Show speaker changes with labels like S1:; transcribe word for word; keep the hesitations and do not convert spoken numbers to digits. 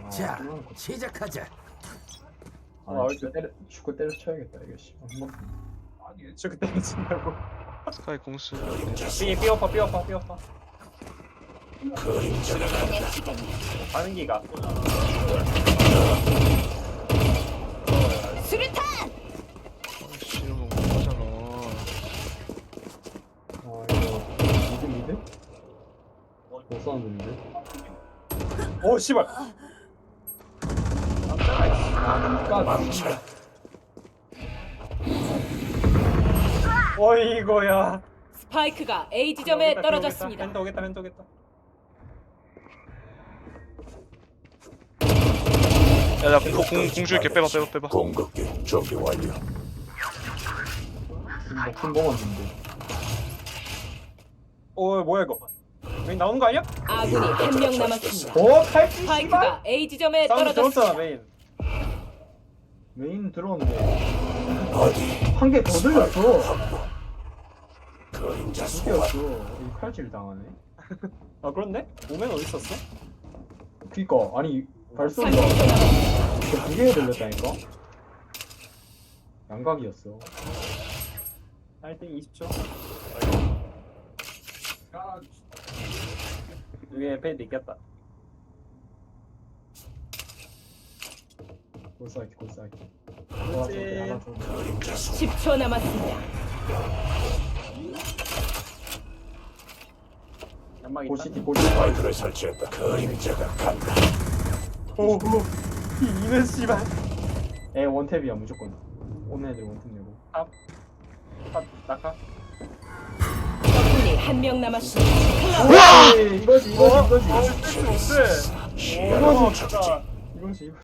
S1: 자, 시작하자.
S2: 아, 이거 때려 축구 때려쳐야겠다 이거 씨. 한번
S3: 아니 저 그때 미친다고.
S4: 스카이 공수.
S3: 삐 삐어파 삐어파 삐어파. 가는 기가.
S5: 수류탄!
S4: 아이씨 이러면 못하잖아.
S2: 아 이거 미드 미드? 못 쏘는데
S3: 오 씨발.
S2: 아
S3: 어이거야.
S5: 스파이크가 A 지점에 떨어졌습니다.
S3: 펜터 오겠다 펜터 오겠다.
S4: 야나공공 줄게 빼봐 빼봐 빼봐.
S1: 공격기 준비 완료.
S2: 목숨 먹었는데
S3: 오 뭐야 이거? 여기 나오는 거 아니야?
S5: 아군이 한 명 남았습니다.
S2: 오 칼치 씨발
S5: 스파이크가 A 지점에
S3: 사운드 들었잖아
S5: 떨어졌습니다.
S3: 메인.
S2: 메인 들어오는데
S1: 어디
S2: 한 개 더 들렸어
S1: 그림자
S2: 두
S1: 소환.
S2: 개였어 이 칼질 당하네
S3: 아 그런데? 오멘 어디 있었어?
S2: 그니까 아니 발소리가
S5: 삼 초 남았습니다.
S2: 두 개가 들렸다니까 양각이었어
S3: 할때 이십 초. 위에 페이드 있겠다.
S2: 골사이키 골사이키
S3: 그렇지.
S2: 하나 줘
S1: 그림자 소환.
S5: 십 초 남았습니다.
S3: 연막 있다.
S2: 골시티 골시티
S1: 스파이크를 설치했다. 그림자가 간다.
S3: 오오. 이 이는 씨발.
S2: 에 원탭이야 무조건 오는 애들 원탭 내고
S3: 탑. 탑 낙하.
S5: 적군이 한 명 남았습니다.
S2: 와! 이거지 이거지
S3: 어?
S2: 이거지
S3: 어? 뭔데?
S1: 시야를
S3: 오
S1: 멈췄지.
S3: 진짜.
S2: 이거지 이거지